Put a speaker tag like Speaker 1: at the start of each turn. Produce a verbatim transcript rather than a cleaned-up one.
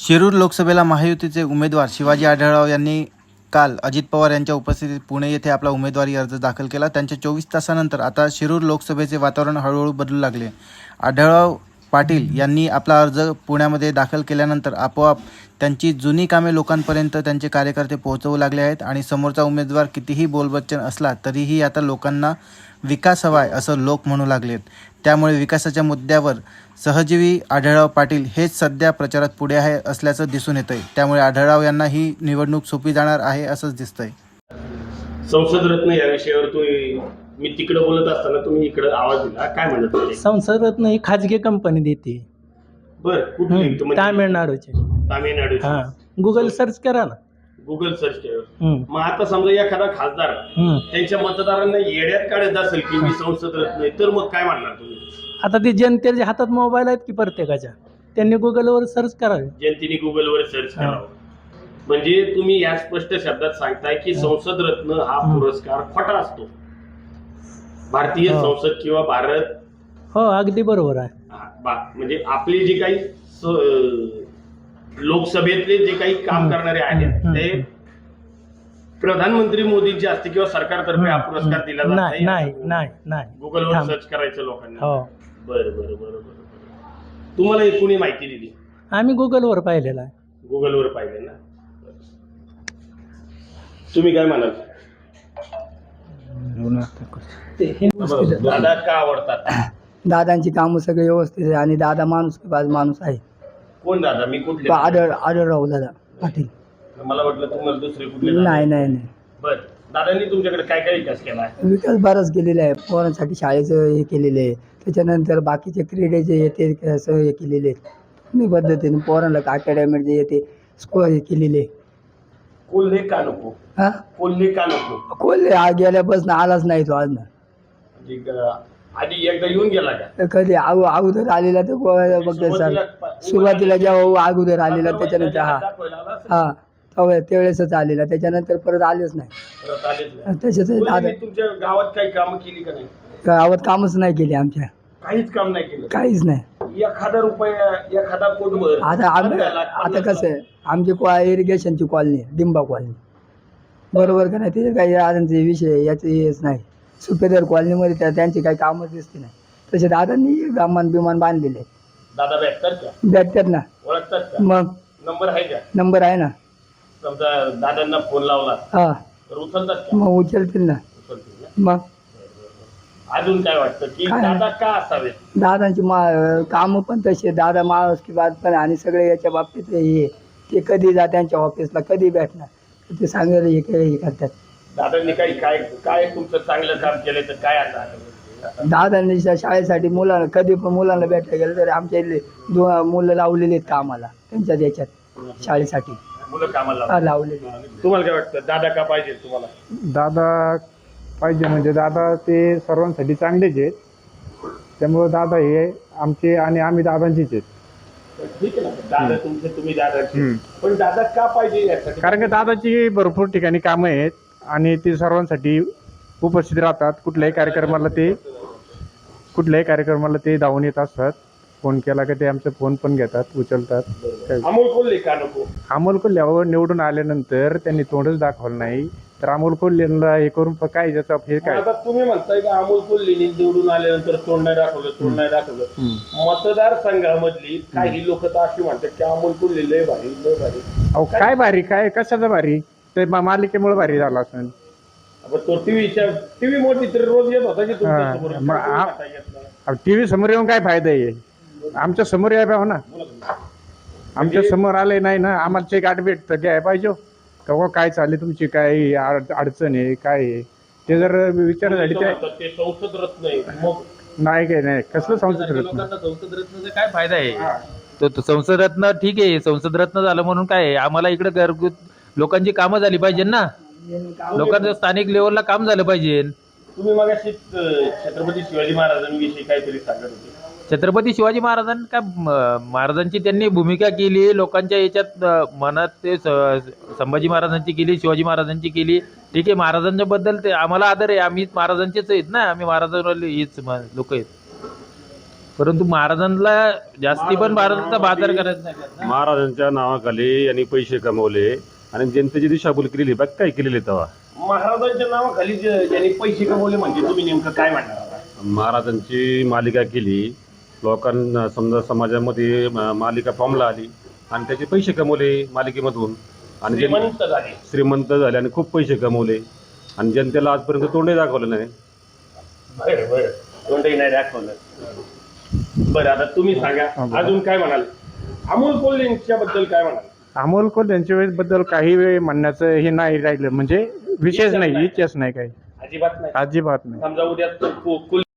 Speaker 1: शिरूर लोकसभेला महायुतीचे उमेदवार शिवाजी आढळराव यांनी काल अजित पवार यांच्या उपस्थितीत पुणे येथे आपला उमेदवारी अर्ज दाखल केला. त्यांच्या चोवीस तासानंतर आता शिरूर लोकसभेचे वातावरण हळूहळू बदलू लागले. आढळराव पाटील यांनी आपला अर्ज पुण्यामध्ये दाखल केल्यानंतर आपोआप त्यांची जुनी कामे लोकांपर्यंत त्यांचे कार्यकर्ते पोहोचवू लागले आहेत आणि समोरचा उमेदवार कितीही बोलबच्चन असला तरीही आता लोकांना विकास हवा आहे असं लोक म्हणू लागलेत. त्यामुळे विकासाच्या मुद्द्यावर सहजीवी आढळराव पाटील हेच सध्या प्रचारात पुढे आहे असल्याचं दिसून येतंय. त्यामुळे आढळराव यांना ही निवडणूक सोपी जाणार आहे असंच दिसतंय.
Speaker 2: संसद रत्न या विषयावर तुम्ही मी तिकडे बोलत असताना तुम्ही इकडे आवाज दिला, काय म्हणत होते?
Speaker 3: संसद रत्न ही खाजगी कंपनी देते.
Speaker 2: बर कुठली?
Speaker 3: तामिळनाडूची.
Speaker 2: तामिळनाडू.
Speaker 3: हा, गुगल सर्च करा ना.
Speaker 2: गुगल सर्च केलं. मग आता समजा एखादा खासदार त्यांच्या मतदारांना येड्यात काढत असेल की मी संसद रत्न आहे, तर मग काय म्हणणार तुम्ही?
Speaker 3: आता ते जनतेच्या हातात मोबाईल आहेत की प्रत्येकाच्या, त्यांनी गुगलवर सर्च करावे.
Speaker 2: जनतेने गुगलवर सर्च करावं. म्हणजे तुम्ही या स्पष्ट शब्दात सांगताय की संसद रत्न हा पुरस्कार खोटा असतो. भारतीय संसद किंवा भारत.
Speaker 3: हो, अगदी बरोबर आहे.
Speaker 2: म्हणजे आपली जी काही लोकसभेतले जे काही काम करणारे आहेत ते प्रधानमंत्री मोदींचे असते किंवा सरकारतर्फे हा पुरस्कार दिला जात
Speaker 3: नाही नाही नाही नाही
Speaker 2: गुगलवर सर्च करायचं लोकांना.
Speaker 3: हो,
Speaker 2: बरं बरं बरं बरं. तुम्हाला एक कोणी माहिती दिली?
Speaker 3: आम्ही गुगलवर पाहिलेला आहे.
Speaker 2: गुगलवर पाहिले ना. तुम्ही काय म्हणाल? दादा का आवडतात?
Speaker 4: दादांची कामं सगळे व्यवस्थित आहे आणि दादा माणूस माणूस आहे.
Speaker 2: कोण दादा? मी कुठले?
Speaker 4: आढळ आढळराव दादा पाटील.
Speaker 2: मला वाटलं तुम्हाला दुसरे कुठले?
Speaker 4: नाही नाही नाही.
Speaker 2: बर, दादांनी तुमच्याकडे काय काय विकास केला आहे?
Speaker 4: विकास बराच केलेला आहे. पोरांसाठी शाळेचं हे केलेलं आहे. त्याच्यानंतर बाकीचे क्रीडेचे येते असं हे केलेले आहेत मी पद्धतीने. पोरांना अकॅडमी जे येते स्कोअर हे केलेले.
Speaker 2: कोल्हे का नको?
Speaker 4: हा,
Speaker 2: कोल्हे का नको?
Speaker 4: कोल्हे आ गेल्यापासून आलाच नाही तो आज ना.
Speaker 2: आधी एकदा येऊन गेला का?
Speaker 4: कधी अगो अगोदर आलेला तर बघ सर, सुरुवातीला जेव्हा अगोदर आलेला त्याच्यानंतर हा हा तेव्हा त्यावेळेसच आलेला, त्याच्यानंतर परत आलेच नाही. त्याच्यात दादा
Speaker 2: तुमच्या गावात काही कामं केली का नाही?
Speaker 4: गावात कामच नाही केले आमच्या.
Speaker 2: काहीच काम नाही केलं?
Speaker 4: काहीच नाही.
Speaker 2: एखादा रुपया एखादा कोटभर.
Speaker 4: आता आम्ही आता कसं आहे, आमची इरिगेशनची कॉलनी डिंबा कॉलनी, बरोबर का नाही? त्याचे काही आधांचे विषय याचे हेच नाही. सुपेदार कॉलनीमध्ये त्या त्यांची काही कामच दिसते नाही. तसे दादांनी विमान बिमान बांधलेले.
Speaker 2: दादा भेटतात का?
Speaker 4: भेटतात ना.
Speaker 2: ओळखतात का?
Speaker 4: मग
Speaker 2: नंबर आहे का?
Speaker 4: नंबर आहे ना.
Speaker 2: समजा दादांना फोन लावला
Speaker 4: हा
Speaker 2: तर उचलतात का?
Speaker 4: मग उचलतील ना.
Speaker 2: उचलतील ना.
Speaker 4: मग
Speaker 2: अजून काय वाटतं की दादा का असावेत?
Speaker 4: दादांची मा कामं पण तसे. दादा माणूस की बात पण आणि सगळे याच्या बाबतीत हे ते कधी जा त्यांच्या ऑफिसला कधी भेटणार ते सांगायला हे हे करतात.
Speaker 2: दादांनी काही काय काय तुमचं चांगलं काम केलं तर काय आता?
Speaker 4: दादांनी शाळेसाठी मुलांना कधी पण मुलांना भेटायला गेलं तर आमच्या इथले दो मुलं लावलेले आहेत कामाला त्यांच्या याच्यात शाळेसाठी
Speaker 2: मुलं कामाला
Speaker 4: लावलेले.
Speaker 2: तुम्हाला काय वाटतं दादा का पाहिजे तुम्हाला?
Speaker 5: दादा पाहिजे म्हणजे दादा ते सर्वांसाठी चांगलेच आहेत. त्यामुळं दादा हे आमचे आणि आम्ही दादांचीच आहेत.
Speaker 2: ठीक आहे ना, दादा तुमचे तुम्ही दादाचे, पण दादा का पाहिजे यासाठी?
Speaker 5: कारण की दादाची भरपूर ठिकाणी कामं आहेत आणि ते सर्वांसाठी उपस्थित राहतात. कुठल्याही कार्यक्रमाला ते कुठल्याही कार्यक्रमाला ते धावून येत असतात. फोन केला की ते आमचा फोन पण घेतात, उचलतात.
Speaker 2: अमोल कोल्हे का नको?
Speaker 5: अमोल कोल्ह्यावर निवडून आल्यानंतर त्यांनी तोंडच दाखवलं नाही तर अमोल कोल्हेला हे करून काय ज्याचा हे काय?
Speaker 2: आता तुम्ही म्हणताय की अमोल कोल्हेनी निवडून आल्यानंतर तोंड नाही दाखवलं तोंड नाही दाखवलं. मतदारसंघामधली काही लोक तर अशी म्हणतात की अमोल कोल्हे लय भारी लय भारी.
Speaker 5: अहो काय भारी? काय कशाचं भारी? ते मालिकेमुळे भारी झाला असेल.
Speaker 2: तो टीव्हीच्या टीव्ही मोठी तर रोज येत होता की
Speaker 5: टीव्ही समोर येऊन काय फायदा आहे? आमच्या समोर याय पाहिजे ना. आमच्या समोर आले नाही ना, आम्हाला चेक आठ भेट घ्याय पाहिजे का काय चालली तुमची काय अडचण आहे काय आहे ते जर विचार झाली
Speaker 2: ते संसद रत्न आहे. मग
Speaker 5: नाही काय नाही कसलं संसद रत्न?
Speaker 6: संसद रत्नाचा काय फायदा आहे? तो संसद रत्न ठीक आहे, संसद रत्न झालं म्हणून काय आहे? आम्हाला इकडे घरगुत लोकांची कामं झाली पाहिजे ना. लोकांचं स्थानिक लेवलला काम झालं पाहिजे.
Speaker 2: तुम्ही मगाशी छत्रपती शिवाजी महाराजांविषयी काहीतरी सांगत होते.
Speaker 6: छत्रपती शिवाजी महाराजांनी काय महाराजांची त्यांनी भूमिका केली लोकांच्या याच्यात मनात. ते संभाजी महाराजांची केली, शिवाजी महाराजांची केली. ठीक आहे, महाराजांच्या बद्दल ते आम्हाला आदर आहे. आम्ही महाराजांचेच आहेत ना, आम्ही महाराजांवाले हीच लोक आहेत. परंतु महाराजांना जास्ती पण भारताचा बाजार करायचा नाही.
Speaker 7: महाराजांच्या नावाखाली यांनी पैसे कमवले आणि जनतेची दिशाभूल केलेली बाकी काय केलेली तेव्हा.
Speaker 2: महाराजांच्या नावाखाली जे- ज्यांनी पैसे कमवले म्हणजे तुम्ही नेमकं काय म्हणणार आता?
Speaker 7: महाराजांची मालिका केली, लोकांना समजा समाजामध्ये म- मालिका फॉर्मला आली आणि त्याचे पैसे कमवले मालिकेमधून आणि जन-
Speaker 2: श्रीमंत झाले.
Speaker 7: श्रीमंत झाले आणि खूप पैसे कमवले आणि जनतेला आजपर्यंत तोंडही दाखवलं नाही.
Speaker 2: बरं बरं कोणतंही नाही दाखवलं. बरं आता तुम्ही सांगा अजून काय म्हणाल? अमोल कोल्हेंच्या बद्दल काय म्हणाल?
Speaker 5: अमोल कोल्हे यांच्या वेळेबद्दल काही वेळ म्हणण्याचं हे नाही राहिलं, म्हणजे विशेष नाही, इतिहास नाही काही,
Speaker 2: अजिबात नाही.
Speaker 5: अजिबात नाही.
Speaker 2: समजा उद्या तो को- कुल